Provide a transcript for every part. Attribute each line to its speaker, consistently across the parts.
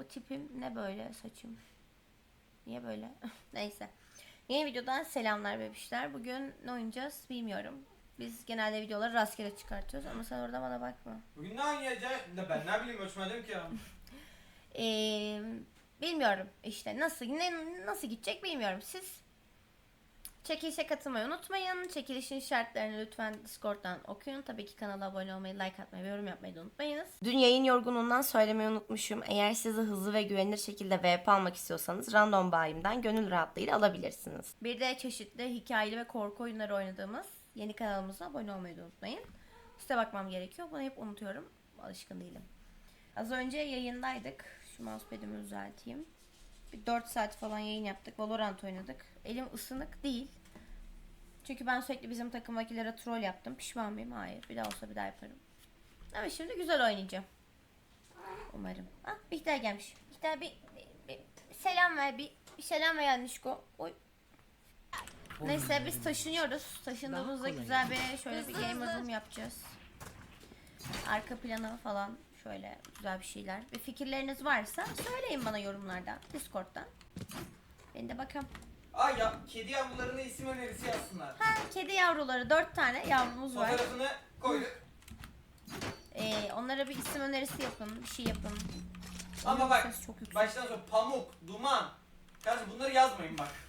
Speaker 1: tipim ne böyle saçım? Niye böyle? Neyse. Yeni videodan selamlar bebişler. Bugün ne oynayacağız bilmiyorum. Biz genelde videoları rastgele çıkartıyoruz ama sen orada bana bakma.
Speaker 2: Bugün ne oynayacağız? Ben ne bileyim ölçmedim ki ya.
Speaker 1: Bilmiyorum işte nasıl gidecek bilmiyorum. Siz çekilişe katılmayı unutmayın. Çekilişin şartlarını lütfen Discord'dan okuyun. Tabii ki kanala abone olmayı, like atmayı ve yorum yapmayı da unutmayınız. Dün yayın yorgunluğundan söylemeyi unutmuşum. Eğer sizi hızlı ve güvenilir şekilde VP almak istiyorsanız random bayimden gönül rahatlığıyla alabilirsiniz. Bir de çeşitli hikayeli ve korku oyunları oynadığımız yeni kanalımıza abone olmayı da unutmayın. Size bakmam gerekiyor. Bunu hep unutuyorum. Alışkın değilim. Az önce yayındaydık. Şu mousepad'imi düzelteyim. Bir 4 saat falan yayın yaptık. Valorant oynadık. Elim ısınık değil. Çünkü ben sürekli bizim takımdakilere troll yaptım. Pişman mıyım? Hayır. Bir daha olsa bir daha yaparım. Ama şimdi güzel oynayacağım. Umarım. Ah, Bihter gelmiş. Bihter bir selam ver. Bir selam ver Yanlışko. Oy. Neyse biz taşınıyoruz. Taşındığımızda güzel bir şöyle bir game room yapacağız. Arka planı falan şöyle güzel bir şeyler. Ve fikirleriniz varsa söyleyin bana yorumlardan, Discord'dan. Ben de bakalım.
Speaker 2: Ay ya kedi yavrularına isim önerisi yazsınlar.
Speaker 1: Ha, kedi yavruları 4 tane yavrumuz var.
Speaker 2: Fotoğrafını koyduk.
Speaker 1: Onlara bir isim önerisi yapın, bir şey yapın.
Speaker 2: Ama
Speaker 1: Onun
Speaker 2: bak
Speaker 1: sesi çok yüksek.
Speaker 2: baştan sonra pamuk, duman. Kardeşim bunları yazmayın bak.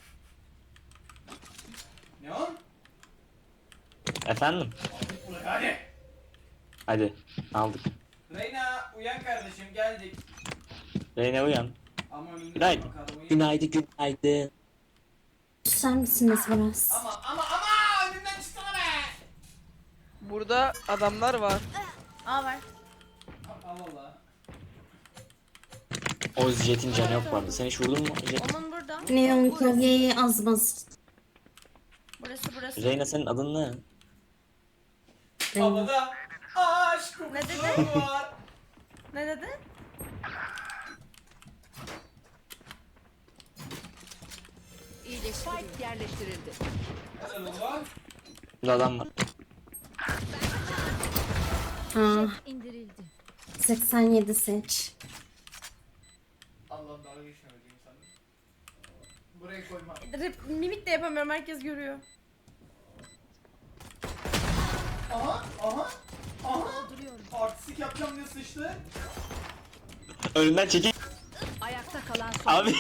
Speaker 2: Ne o?
Speaker 3: Efendim?
Speaker 2: Hadi.
Speaker 3: Hadi aldık.
Speaker 2: Reyna uyan kardeşim geldik.
Speaker 3: Reyna uyan.
Speaker 2: Ama önüne
Speaker 3: Günaydın.
Speaker 2: bakalım, uyan.
Speaker 3: Günaydın.
Speaker 4: Susar mısınız biraz?
Speaker 2: Ama önümden çıksana be.
Speaker 5: Burada adamlar var.
Speaker 1: Aa var.
Speaker 2: Allah Allah.
Speaker 3: O Jet'in canı yok vardı. Sen hiç vurdun mu Jet?
Speaker 1: Onun burada.
Speaker 4: Neon klavyeyi az bas.
Speaker 1: Burası.
Speaker 3: Reyna senin adın ne?
Speaker 2: Havada aşk
Speaker 1: Ne
Speaker 2: kokusu
Speaker 1: dedi?
Speaker 2: var.
Speaker 1: Ne dedin?
Speaker 6: Spike yerleştirildi.
Speaker 2: Helal oğlum.
Speaker 3: Burada adam var.
Speaker 4: Ha,
Speaker 6: İndirildi.
Speaker 4: 87 seç.
Speaker 2: Allah'ım dalga geçmemediğim sandım. Buraya koyma.
Speaker 1: Mimik de yapamıyorum, herkes görüyor.
Speaker 2: Aha. Artistik yapacağım diye sıçtı.
Speaker 3: Önünden çekil.
Speaker 6: Ayakta kalan son.
Speaker 3: Abi.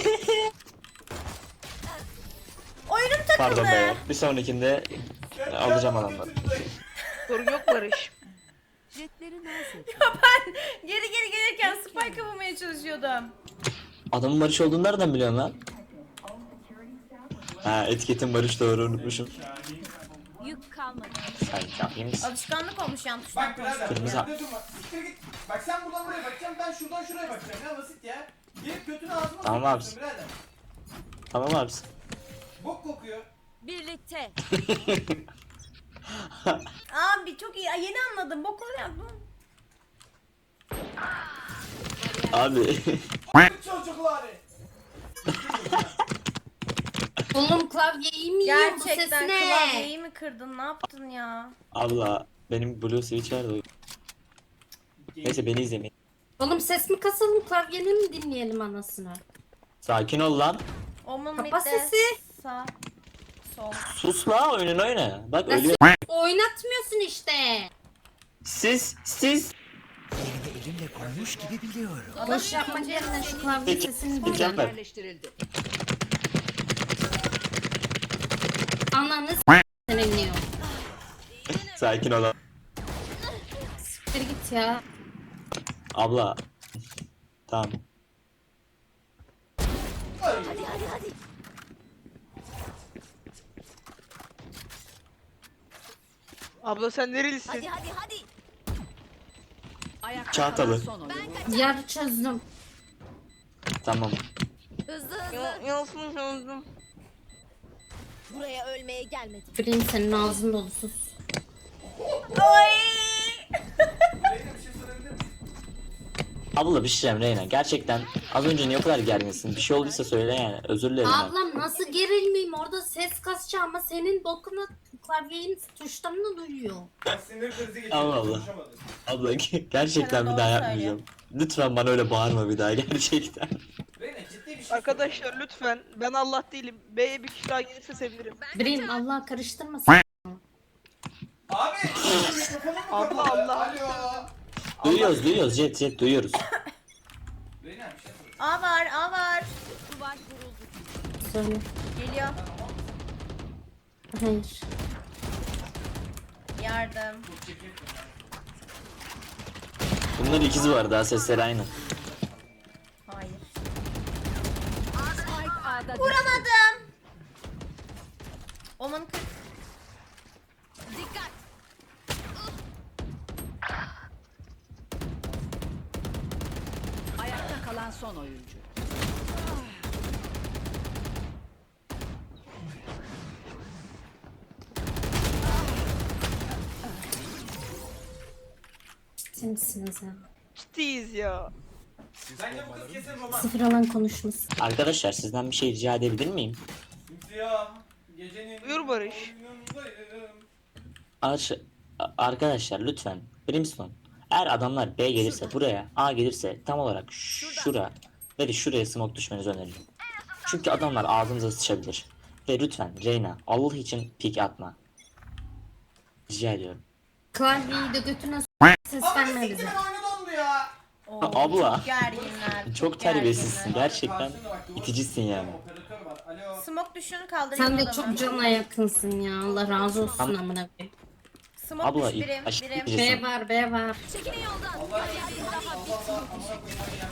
Speaker 1: Oyunum takıldı.
Speaker 3: Pardon be. Bir sonrakinde alacağım adamları.
Speaker 5: Sorun yok Barış.
Speaker 6: Jetleri naz et.
Speaker 1: Ben geri gelirken spike yapmaya çalışıyordum.
Speaker 3: Adamın Barış olduğunu nereden biliyorsun lan? Ha, etiketin Barış, doğru unutmuşum.
Speaker 6: Yük kalmadı.
Speaker 3: Sen yapayım mısın?
Speaker 1: Alışkanlık olmuş yan
Speaker 2: Bak
Speaker 1: tuştan
Speaker 2: birader.
Speaker 3: Kırmızı.
Speaker 2: Burada durma. Siktir git. Bak sen buradan buraya bakacaksın. Ben şuradan şuraya bakacağım. Ne basit ya. Gelip götünü ağzıma
Speaker 3: Tamam abi.
Speaker 2: sokuyorsun birader.
Speaker 3: Tamam abi.
Speaker 2: Bok kokuyor.
Speaker 6: Birlikte.
Speaker 1: Abi çok iyi. Ay, yeni anladım. Bok oluyor bu.
Speaker 3: Abi.
Speaker 2: Çocukları.
Speaker 4: Oğlum klavyeyi mi yiyor bu ses
Speaker 1: Gerçekten
Speaker 4: ne?
Speaker 1: klavyeyi mi kırdın? Ne yaptın ya?
Speaker 3: Abla benim Blue Switch var da. Neyse beni izlemeyin.
Speaker 4: Oğlum ses mi kasalım klavyeni mi dinleyelim anasını?
Speaker 3: Sakin ol lan.
Speaker 1: Omun
Speaker 4: Kapa
Speaker 1: midde,
Speaker 4: sesi.
Speaker 1: sağ, sol.
Speaker 3: Sus la, oyununu oyna. Bak
Speaker 4: Nasıl?
Speaker 3: ölüyor.
Speaker 4: Oynatmıyorsun işte.
Speaker 3: Siz.
Speaker 7: Elimle koymuş gibi biliyorum.
Speaker 4: Boş yapmak yerine şu klavye sesini
Speaker 3: Gideceğim
Speaker 4: dinle.
Speaker 3: ben.
Speaker 6: Yerleştirildi.
Speaker 4: Ananı senin Neon.
Speaker 3: Sakin ol.
Speaker 4: Siktir git ya.
Speaker 3: Abla. Tamam.
Speaker 5: Abla sen nerelisin?
Speaker 6: Hadi. Ayakta
Speaker 3: Çağatalı.
Speaker 6: kalan son oyun.
Speaker 4: Yarı çözdüm.
Speaker 3: Tamam.
Speaker 6: Hızlı.
Speaker 5: Yansın sandım.
Speaker 6: Buraya ölmeye gelmedim.
Speaker 4: Free senin ağzın dolu sus.
Speaker 1: Oy!
Speaker 2: Reyna bir şey sorabilir miyim?
Speaker 3: Abla bir şey diyeceğim Reyna. Gerçekten az önce niye o kadar gerginsin? Bir şey olduysa söyle yani. Özür dilerim ben.
Speaker 4: Ablam nasıl gerilmeyeyim orada ses kasacağım ama senin bokuna klavyenin tuşlarını duyuyor.
Speaker 2: Bak sinir krizi geçirdi.
Speaker 3: Allah Allah.
Speaker 2: Konuşamadı.
Speaker 3: Abla gerçekten bir
Speaker 1: Sana
Speaker 3: daha
Speaker 1: doğru
Speaker 3: yapmayacağım. Lütfen bana öyle bağırma bir daha gerçekten.
Speaker 2: Reyna ciddi bir şey
Speaker 5: Arkadaşlar lütfen ben Allah değilim. B'ye bir kişi daha gelirse sevinirim.
Speaker 4: Birim Allah karıştırmasın.
Speaker 2: Abi mikrofonun mu
Speaker 5: Allah
Speaker 2: kapalı?
Speaker 5: Allah.
Speaker 2: Alo.
Speaker 3: Duyuyoruz Jet duyuyoruz.
Speaker 2: Reyna bir şey söyle.
Speaker 1: A var, A var.
Speaker 6: Duvar kuruldu.
Speaker 4: Söyle.
Speaker 1: Geliyor.
Speaker 4: Hayır.
Speaker 1: Yardım.
Speaker 2: Çok çekirdim.
Speaker 3: Bunların ikizi var daha sesleri aynı.
Speaker 1: Hayır.
Speaker 6: Spike A'da düştü.
Speaker 1: Vuramadım. Oman 40.
Speaker 6: Dikkat.
Speaker 8: Ayakta kalan son oyuncu.
Speaker 4: Ciddi misiniz ya?
Speaker 5: Ciddiyiz ya.
Speaker 2: Bence bu kız kesin roman.
Speaker 4: Sıfır alan konuşmasın.
Speaker 3: Arkadaşlar sizden bir şey rica edebilir miyim?
Speaker 2: Simsiyah. Gecenin
Speaker 5: Buyur Barış.
Speaker 2: oyunundayım.
Speaker 3: Arkadaşlar lütfen Brimstone. Eğer adamlar B gelirse buraya, A gelirse tam olarak şuraya smoke düşmenizi öneririm. Çünkü adamlar ağzınıza sıçabilir. Ve lütfen Reyna Allah için pik atma. Rica ediyorum.
Speaker 4: Klavyeyi de götüne ses
Speaker 2: Abi
Speaker 4: verme
Speaker 2: siktir
Speaker 4: bize.
Speaker 2: oyunu dondu ya.
Speaker 1: Oo,
Speaker 3: Abla.
Speaker 1: Çok gerginler.
Speaker 3: Çok terbiyesizsin
Speaker 1: gerginler.
Speaker 3: gerçekten. iticisin yani.
Speaker 2: Operatör var. Alo.
Speaker 1: Smoke düşün kaldırayım
Speaker 4: Sen de
Speaker 1: adamı.
Speaker 4: çok cana yakınsın ya. Allah razı olsun amına koyayım.
Speaker 1: Smoke
Speaker 3: Abla
Speaker 1: düş birim.
Speaker 3: aşırı
Speaker 1: Birim.
Speaker 3: iticisin.
Speaker 4: B var, B var.
Speaker 6: Çekilin yoldan.
Speaker 2: Allah Allah amına koyayım.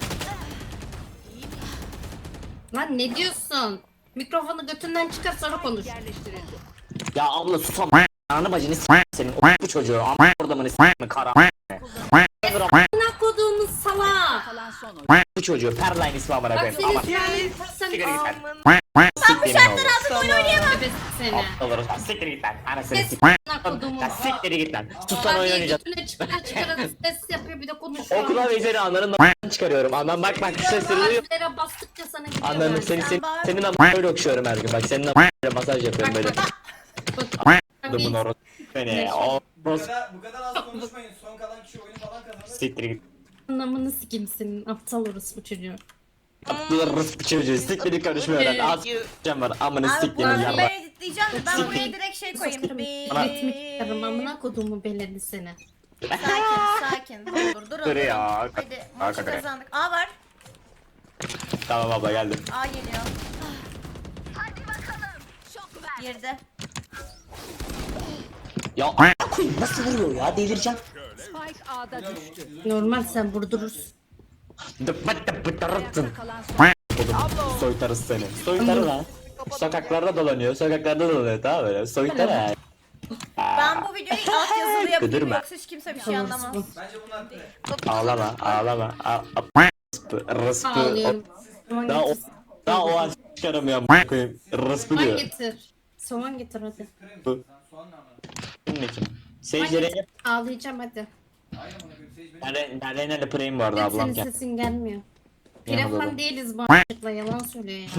Speaker 4: Lan ne diyorsun? Mikrofonu götünden çıkar sonra konuş.
Speaker 8: Yerleştirildi.
Speaker 3: Ya abla sus ama anı bacını senin bu çocuğu ama orada mı kara
Speaker 4: Amına koduğumuz salak.
Speaker 8: Kalan son oyuncu.
Speaker 3: bu çocuğu Perline ismi amına
Speaker 4: Bak
Speaker 3: koyayım
Speaker 4: senin
Speaker 3: ama
Speaker 4: silahın sen
Speaker 3: Siktir git lan.
Speaker 5: Aman
Speaker 3: siktir git lan.
Speaker 4: bebesi seni.
Speaker 3: Olur siktir git lan anasını
Speaker 4: Ses
Speaker 3: siktir.
Speaker 4: amına koduğumuz.
Speaker 3: Ya siktir git lan. Sus lan oyun
Speaker 4: Klavyeyi
Speaker 3: oynayacağız.
Speaker 4: götüne çıkar ses yapıyor bir de konuşuyor.
Speaker 3: Okula ve seni ananın çıkarıyorum. Anan bak sesleri duyuyor.
Speaker 4: Bazılara bastıkça sana gidiyor.
Speaker 3: Ananın
Speaker 4: ben.
Speaker 3: senin böyle okşuyorum her gün. Bak senin masaj yapıyorum böyle. Dumun orası. Beni o
Speaker 2: Bu kadar az konuşmayın. Son kalan kişi oyunu falan kazanır.
Speaker 3: siktir git.
Speaker 4: Anlamını sikeyim senin aptal orospu çocuğu.
Speaker 3: Aptalırız bu çocuğu. Siktir git konuşmuyorlar. Az s**eceğim var. Amını
Speaker 1: Abi
Speaker 3: siktirin
Speaker 1: bunu
Speaker 3: ya.
Speaker 1: ben editleyeceğim de ben
Speaker 3: Siktir.
Speaker 1: buraya direkt şey koyayım.
Speaker 4: Sıkarım. Ritmik yarım amına koduğumu beledi seni.
Speaker 1: Sakin. Dur dur.
Speaker 3: Dur ya.
Speaker 1: Hadi maçı
Speaker 3: Hakikaten.
Speaker 1: kazandık. A var.
Speaker 3: Tamam abla geldim.
Speaker 1: A geliyor. Girdi.
Speaker 3: Ya koyayım nasıl vuruyor ya delireceğim.
Speaker 8: Spike A'da düştü.
Speaker 4: Normal sen vurdurursun.
Speaker 3: Dıpıttın.
Speaker 8: Kalan son
Speaker 3: Soytarız seni. Soytarı lan. Sokaklarda dolanıyor. Sokaklarda dolanıyor tamam böyle. Soytarı.
Speaker 1: Ben bu videoyu altyazılı yapayım
Speaker 3: Güdürme.
Speaker 1: yoksa hiç kimse bir şey anlamaz.
Speaker 2: Bence bunlar pre.
Speaker 3: Ağlama ağlama. Rıspı.
Speaker 4: Ağlıyorum. Soğan
Speaker 3: Daha o
Speaker 4: getir.
Speaker 3: daha o an çıkaramıyorum. Koyayım. Rıspı
Speaker 4: Soğan
Speaker 3: diyor.
Speaker 4: getir. Soğan getir hadi.
Speaker 2: Pre mi?
Speaker 3: Bu.
Speaker 2: Sen soğan ne anladın?
Speaker 3: Kimin kim?
Speaker 4: Soğan
Speaker 3: Seyircilere
Speaker 4: getir. Ağlayacağım hadi.
Speaker 2: Hayır amına koyayım. Sage benim.
Speaker 3: ben Reyna'yla preyim bu arada
Speaker 4: Hep
Speaker 3: ablam
Speaker 4: senin
Speaker 3: gel.
Speaker 4: sesin gelmiyor.
Speaker 3: Yanımda
Speaker 4: Telefon
Speaker 3: da.
Speaker 4: değiliz bu a**lıkla yalan söylüyor ya.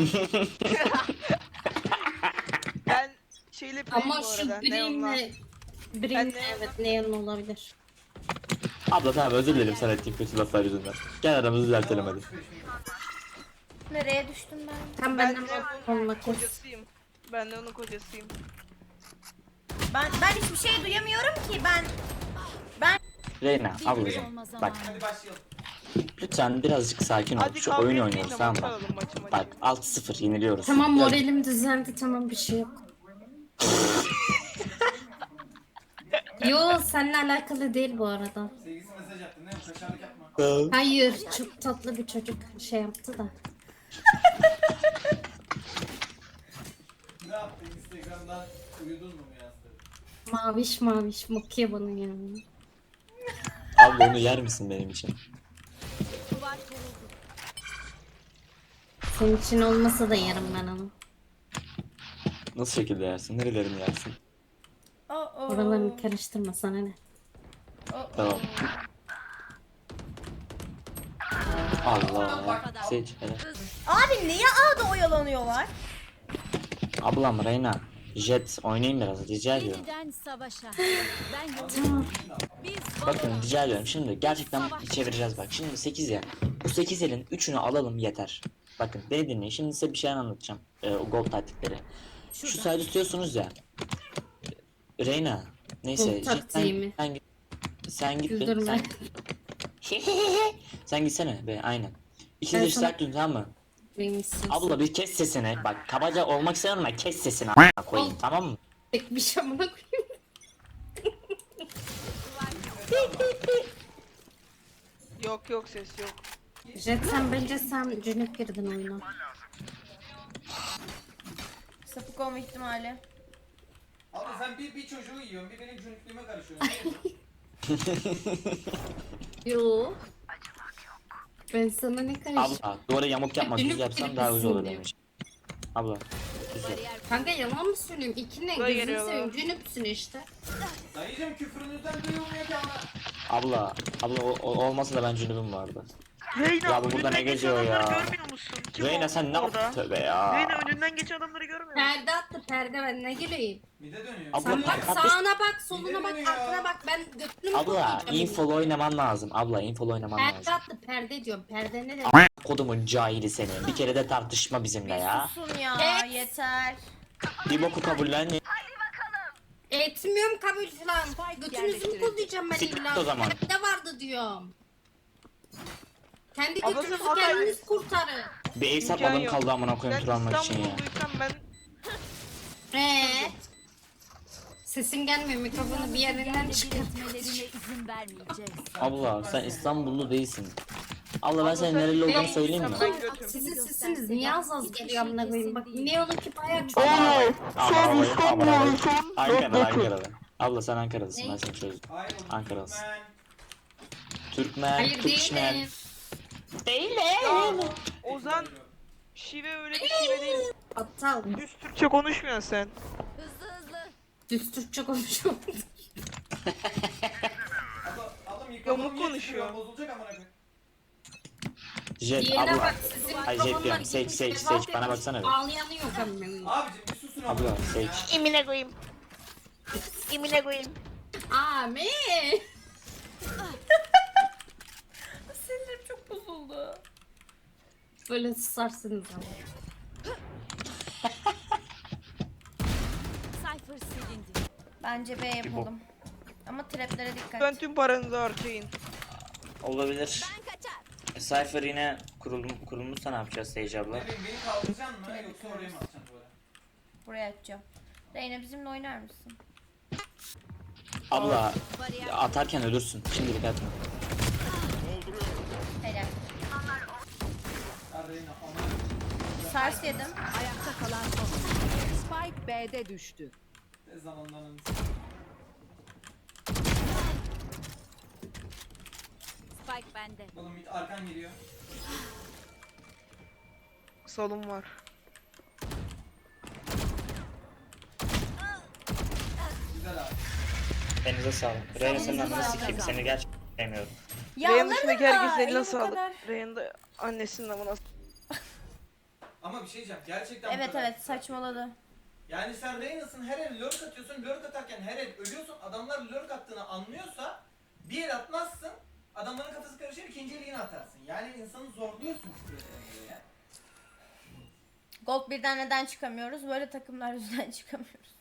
Speaker 5: Ben şeyle playim
Speaker 4: Ama
Speaker 5: bu
Speaker 4: şu
Speaker 5: arada. Neon'la.
Speaker 4: Brim'le
Speaker 5: Ben de-
Speaker 4: evet neon olabilir.
Speaker 3: Abla tamam özür dilerim sana ettiğim kötü laflar yüzünden. Gel aramızı düzeltelim hadi.
Speaker 1: Nereye düştüm ben?
Speaker 4: Tam
Speaker 5: Ben
Speaker 4: benden
Speaker 5: Neon'un
Speaker 4: olma kes.
Speaker 5: kocasıyım. Ben de onun kocasıyım.
Speaker 1: Ben hiçbir şey duyamıyorum ki ben.
Speaker 3: Reyna ablacığım bak
Speaker 2: Hadi başlayalım.
Speaker 3: lütfen birazcık sakin ol.
Speaker 5: Hadi
Speaker 3: Şu
Speaker 5: kavga
Speaker 3: oyun
Speaker 5: etmeyin
Speaker 3: oynuyoruz
Speaker 5: de
Speaker 3: tamam
Speaker 5: maç
Speaker 3: mı?
Speaker 5: alalım, maçı.
Speaker 3: Bak 6-0 yeniliyoruz.
Speaker 4: Tamam
Speaker 3: Biraz-
Speaker 4: moralim düzeldi tamam bir şey yok. Yo seninle alakalı değil bu arada.
Speaker 2: Sevgisi mesaj attı. Ne bu? Kaşarlık yapma.
Speaker 4: Hayır çok tatlı bir çocuk şey yaptı da.
Speaker 2: Ne yaptın? Instagram'dan uyudun mu yazdı?
Speaker 4: Maviş maviş bakıyor bana yani.
Speaker 3: Abla onu yer misin benim için?
Speaker 6: Duvar kuruldu.
Speaker 4: Senin için olmasa da yerim ben onu.
Speaker 3: Nasıl şekilde yersin? Nerelerini yersin?
Speaker 4: Oralarını karıştırma sana ne.
Speaker 3: Tamam. Allah. Seç hele.
Speaker 1: Abi niye A'da oyalanıyorlar?
Speaker 3: Ablam Reyna. Jet oynayın biraz rica ediyorum.
Speaker 6: Yeniden savaşa. Ben yokum.
Speaker 4: Tamam.
Speaker 6: Biz
Speaker 3: Bakın rica ediyorum şimdi gerçekten çevireceğiz bak. Şimdi 8 ya. Bu 8 elin 3'ünü alalım yeter. Bakın beni dinleyin. Şimdi size bir şey anlatacağım. O gold taktikleri. Şu sayede tutuyorsunuz ya. Reyna. Neyse.
Speaker 4: Gold taktiği mi?
Speaker 3: Sen git be.
Speaker 4: Güldürme.
Speaker 3: Sen gitsene be aynen.
Speaker 4: Ben
Speaker 3: İkiniz de
Speaker 4: sana-
Speaker 3: strike tutun tamam mı?
Speaker 4: Benim istiyorsun.
Speaker 3: Abla bir kes sesini. Bak kabaca olmak istemiyorum ama kes sesini a**ına koyayım tamam mı?
Speaker 4: Tek bir şamına koyayım.
Speaker 5: Yok ses yok.
Speaker 4: Jet sen bence sen cünüp girdin oyuna.
Speaker 1: Sapık olma ihtimali.
Speaker 2: Abla sen bir çocuğu yiyorsun, bir benim cünüklüğüme karışıyorsun. Ne yiyorsun?
Speaker 4: Yo. Ben sana ne karıştım?
Speaker 3: Abla duvara yamuk yapma düz
Speaker 4: Cünüp
Speaker 3: yapsan daha güzel olur
Speaker 4: gibisin
Speaker 3: benim için. Abla düz yap.
Speaker 4: Kanka yalan mı söylüyorum? İki ne?
Speaker 5: Buraya
Speaker 4: Gözünü
Speaker 5: geliyorlar.
Speaker 4: seveyim. Cünüpsün işte.
Speaker 2: Dayıcım küfrünüzden duyulmuyor ki ama.
Speaker 3: Abla olmasa da ben cünübüm vardı.
Speaker 5: Reyna
Speaker 3: Ya bu burada ne geziyor ya?
Speaker 5: Görmüyor musun? Kim
Speaker 3: Reyna
Speaker 5: o
Speaker 3: sen ne
Speaker 5: orada?
Speaker 3: yaptın tövbe ya.
Speaker 5: Reyna önünden geçen adamları görmüyor musun?
Speaker 4: Perde attı perde ben ne güleyim.
Speaker 2: Bir de dönüyor.
Speaker 3: Abla,
Speaker 4: Sen bak
Speaker 3: kardeş-
Speaker 4: sağına bak soluna bak
Speaker 2: Gidelim ya.
Speaker 4: arkana bak ben götünü mü
Speaker 3: Abla
Speaker 4: koklayacağım?
Speaker 3: infolu oynaman lazım. Abla infolu oynaman
Speaker 4: Perde
Speaker 3: lazım.
Speaker 4: attı perde diyorum perde ne demek?
Speaker 3: Kodumun cahili seni. Bir kere de tartışma bizimle ya.
Speaker 1: Susun ya
Speaker 4: Evet.
Speaker 1: yeter.
Speaker 3: Bir boku kabullen.
Speaker 4: Etmiyorum kabul falan. Götünüzü mü
Speaker 8: yerleştirildi.
Speaker 4: koklayacağım ben
Speaker 3: Siktir
Speaker 4: illa?
Speaker 3: o zaman.
Speaker 4: Perde vardı diyorum. Kendi
Speaker 5: Abla sen
Speaker 4: götünüzü
Speaker 5: Hatay-
Speaker 4: kendiniz kurtarın.
Speaker 3: Bir ev
Speaker 5: İmkan
Speaker 3: satmadım
Speaker 5: yok.
Speaker 3: kaldı amına
Speaker 5: Ben
Speaker 3: koyayım tur almak için ya.
Speaker 5: İstanbul'duysam ben
Speaker 4: Sesin gelmiyor mikrofonu bir yerinden çıkar.
Speaker 6: Belirtmelerine izin vermeyeceğiz.
Speaker 3: Abla sen İstanbullu değilsin. Abla ben senin
Speaker 5: sen
Speaker 3: nereli olduğunu
Speaker 5: değilsin,
Speaker 3: söyleyeyim mi?
Speaker 5: ben götüm.
Speaker 4: Sizin sesiniz niye az geliyor amına koyayım? Bak Neon'unki bayağı çok.
Speaker 3: Sen İstanbullusun. Ankara'da. Abla sen Ankara'dasın ben seni çözdüm.
Speaker 2: Hayır oğlum.
Speaker 3: Ankara'lısın.
Speaker 2: Ben...
Speaker 3: Türkmen,
Speaker 4: Hayır
Speaker 3: Türkmen.
Speaker 4: değilim.
Speaker 5: Ya Ozan şive öyle bir şive değil.
Speaker 4: Aptal.
Speaker 5: Düz Türkçe konuşmuyorsun sen.
Speaker 6: Hızlı hızlı.
Speaker 4: Düz Türkçe konuşuyorum.
Speaker 2: Ablam mikrofonum
Speaker 5: Yamuk
Speaker 2: niye
Speaker 5: konuşuyor.
Speaker 2: çıkıyor? Bozulacak amına koyayım.
Speaker 3: Jet
Speaker 4: Diğerine
Speaker 3: abla.
Speaker 4: bak sizin
Speaker 3: Ay,
Speaker 4: mikrofonlar
Speaker 3: Jet diyorum.
Speaker 4: gitmiş,
Speaker 3: Seç,
Speaker 4: vefat
Speaker 3: seç. Bana
Speaker 4: etmiş.
Speaker 3: baksana bir.
Speaker 4: Ağlayanı yok amına koyayım.
Speaker 2: Abicim bir susun
Speaker 3: Abla seç.
Speaker 5: İmine koyayım. İmine koyayım.
Speaker 4: Amin.
Speaker 1: Sinirim çok bozuldu.
Speaker 4: Böyle susarsınız ama.
Speaker 6: Cypher silindi.
Speaker 1: Bence B yapalım. Ama traplere dikkat.
Speaker 5: Ben tüm paranızı harcayın.
Speaker 3: Olabilir.
Speaker 6: Ben kaçar.
Speaker 3: Cypher yine kurulmuşsa ne yapacağız Sage abla?
Speaker 2: Ne bileyim beni kaldıracaksın mı yoksa oraya mı atacaksın böyle?
Speaker 1: Buraya atacağım. Reyna bizimle oynar mısın?
Speaker 3: Abla
Speaker 6: Bariyer.
Speaker 3: atarken ölürsün. Şimdilik atma.
Speaker 1: Helal.
Speaker 2: Arayın amına.
Speaker 1: Sars yedim.
Speaker 8: Ayakta kalan son oyuncu. Spike B'de düştü.
Speaker 2: Ne zamanlarınız.
Speaker 6: Spike bende.
Speaker 2: Oğlum bir arkan geliyor.
Speaker 5: Salon var.
Speaker 2: Güzel abi.
Speaker 3: Elinize sağlık. Reyna senin ananı sikeyim. Seni gerçekten sevmiyorum.
Speaker 5: Reyhan'ın dışındaki herkesin eline
Speaker 1: bu
Speaker 5: sağlık.
Speaker 1: kadar.
Speaker 5: Reyhan da annesinin amına.
Speaker 2: Ama bir şey diyeceğim. Gerçekten bu
Speaker 1: Evet
Speaker 2: kadar.
Speaker 1: evet saçmaladı.
Speaker 2: Yani sen Reyna'sın her el lurk atıyorsun. Lurk atarken her el ölüyorsun. Adamlar lurk attığını anlıyorsa bir el atmazsın. Adamların kafası karışır ikinci eli yine atarsın. Yani insanı zorluyorsun. Ya.
Speaker 1: Gold birden neden çıkamıyoruz? Böyle takımlar yüzünden çıkamıyoruz.